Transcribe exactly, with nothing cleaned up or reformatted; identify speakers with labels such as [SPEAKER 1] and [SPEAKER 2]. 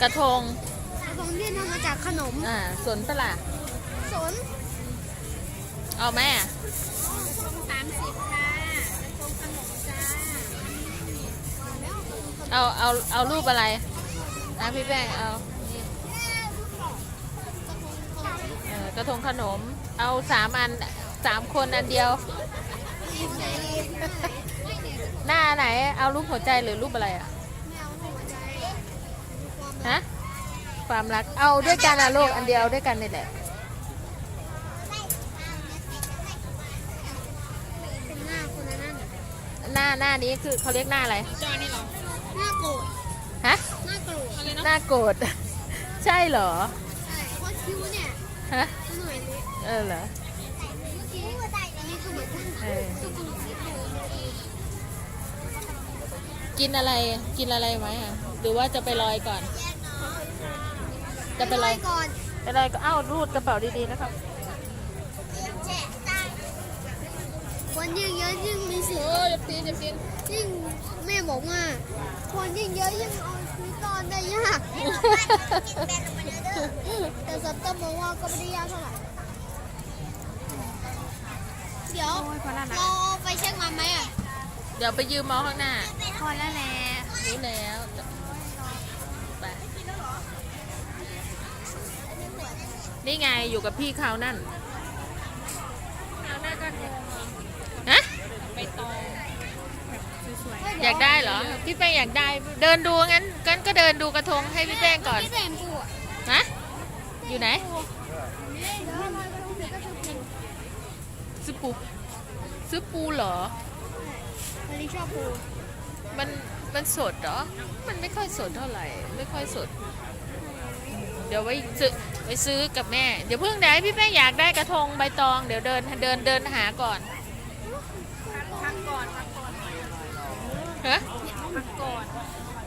[SPEAKER 1] ระทง
[SPEAKER 2] กระทงที่ทำมาจากขนม
[SPEAKER 1] อ่าสนปะล่ะ
[SPEAKER 2] สน
[SPEAKER 1] เอาแม่
[SPEAKER 2] สามสิบค่ะกระทงขนมจ้า
[SPEAKER 1] เอาเอาเอารูปอะไรนะพี่แป้งเอาเออกระทงขนมเอาสามอันสามคนอันเดียวหน้าไหนเอารูปหัวใจหรือรูปอะไรอ่ะฮะความรักเอาด้วยกันอะลูกอันเดียวด้วยกันนี่แหละ
[SPEAKER 2] เป็นหน้าคนนั้น
[SPEAKER 1] หน้าหน้านี้คือเขาเรียกหน้าอะไร
[SPEAKER 2] จอนี่หรอหน้าโกรธ
[SPEAKER 1] ฮะ
[SPEAKER 2] หน้าโกรธอะไรนะ
[SPEAKER 1] หน้าโกรธใช่เหรอ
[SPEAKER 2] ใช่เพราะคิ้วเนี่ย
[SPEAKER 1] ฮะ
[SPEAKER 2] หน่อยนี้
[SPEAKER 1] เออเหรอ
[SPEAKER 2] นี่คือเหมือน
[SPEAKER 1] กินอะไรกินอะไรไหมอ่ะหรือว่าจะไปลอยก่อนจะไปลอย
[SPEAKER 2] ก่อน
[SPEAKER 1] ไปลอยก็เอ้ารูดกระเป๋าดีๆนะครับ
[SPEAKER 2] คนยิ่งเยอะยิ่งมีสิทธิ์
[SPEAKER 1] โอ้ยตีจะกิน
[SPEAKER 2] ยิ่งแม่บอกว่าคนยิ่งเยอะยิ่งเอาชีวิตรอดได้ยากแต่สัตว์ก็มองว่าก็ไม่ได้ยากเท่าไหร่เดี๋ยวเราไปเช็คมาไหมอ่ะ
[SPEAKER 1] เดี๋ยวไปยืมมอข้างหน้า
[SPEAKER 2] พอแล้วแหละ
[SPEAKER 1] รู้แล้วไปนี่ไงอยู่กับพี่เขานั่นฮะอยากได้เหรอพี่แป้งอยากได้เดินดูงั้นงั้นก็เดินดูกระทงให้พี่แป้งก่อนฮะอยู่ไหนซื้อปูซื้อปูเหรอ
[SPEAKER 2] วันนี้ชอบปู
[SPEAKER 1] มันมันสดเหรอมันไม่ค่อยสดเท่าไหร่ไม่ค่อยสดเดี๋ยวไว้ซื้อไปซื้อกับแม่เดี๋ยวเพิ่งได้พี่แป้งอยากได้กระทงใบตองเดี๋ยวเดินเดินเดินหาก่อน
[SPEAKER 2] พักก่อนพักก่อน
[SPEAKER 1] ฮะ
[SPEAKER 2] พักก่อน